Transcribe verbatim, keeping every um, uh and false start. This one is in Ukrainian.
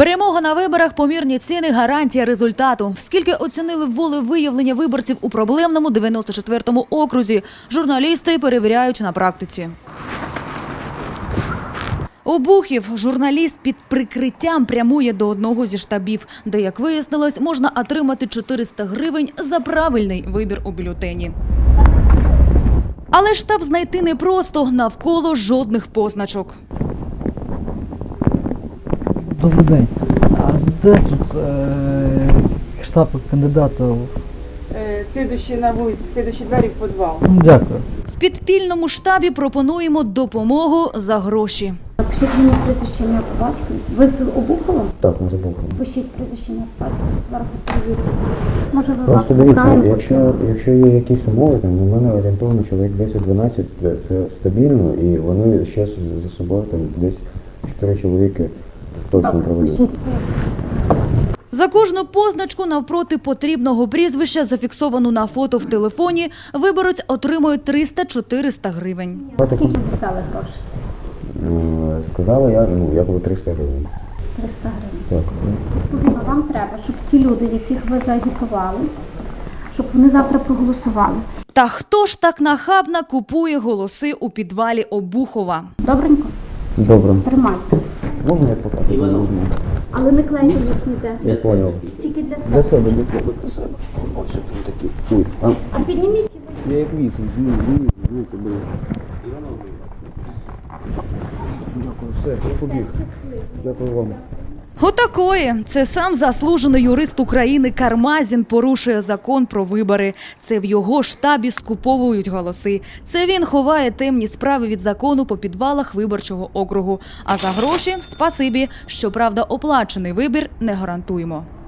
Перемога на виборах, помірні ціни – гарантія результату. Скільки оцінили волевиявлення виборців у проблемному дев'яносто четвертому окрузі, журналісти перевіряють на практиці. Обухів журналіст під прикриттям прямує до одного зі штабів, де, як вияснилось, можна отримати чотириста гривень за правильний вибір у бюлетені. Але штаб знайти непросто, навколо жодних позначок. Добрий день. А де тут е, штаб кандидатів? Э, Следующий на вулиці, следующий двері в підвал. Ну, дякую. В підпільному штабі пропонуємо допомогу за гроші. Пишіть мені прізвище, ім'я, по батькові. Ви з Обухова? Так, ми з Обухова. Пишіть прізвище, ім'я, по батькові. Зараз я перевірю. Може, ви вас Просто дивіться, питаємо, якщо, почули? якщо є якісь умови, там у мене орієнтовно чоловік десять-дванадцять, це стабільно, і вони ще за собою там десь чотири чоловіки точно Так, проведуть. пишіть своє. За кожну позначку навпроти потрібного прізвища, зафіксовану на фото в телефоні, виборець отримує триста-чотириста гривень. Скільки обіцяли грошей? Е, Сказали я, ну, я буду триста гривень. триста гривень. Так. Відповідно, вам треба, щоб ті люди, яких ви заагітували, щоб вони завтра проголосували. Та хто ж так нахабно купує голоси у підвалі Обухова? Добренько? Добре. Тримайте. Можна я покажу? Можна. Але не клейте їх ніде. Я понял. Тільки для Для себе. себе, для себе, для себе. Ось тут такі. Ой, а, А підніміть його. я як віцин, змію, змію, змію, блин. Дякую, все, я побіг. Дякую вам. Отакої. Це сам заслужений юрист України Кармазін порушує закон про вибори. Це в його штабі скуповують голоси. Це він ховає темні справи від закону по підвалах виборчого округу. А за гроші – спасибі. Щоправда, оплачений вибір не гарантуємо.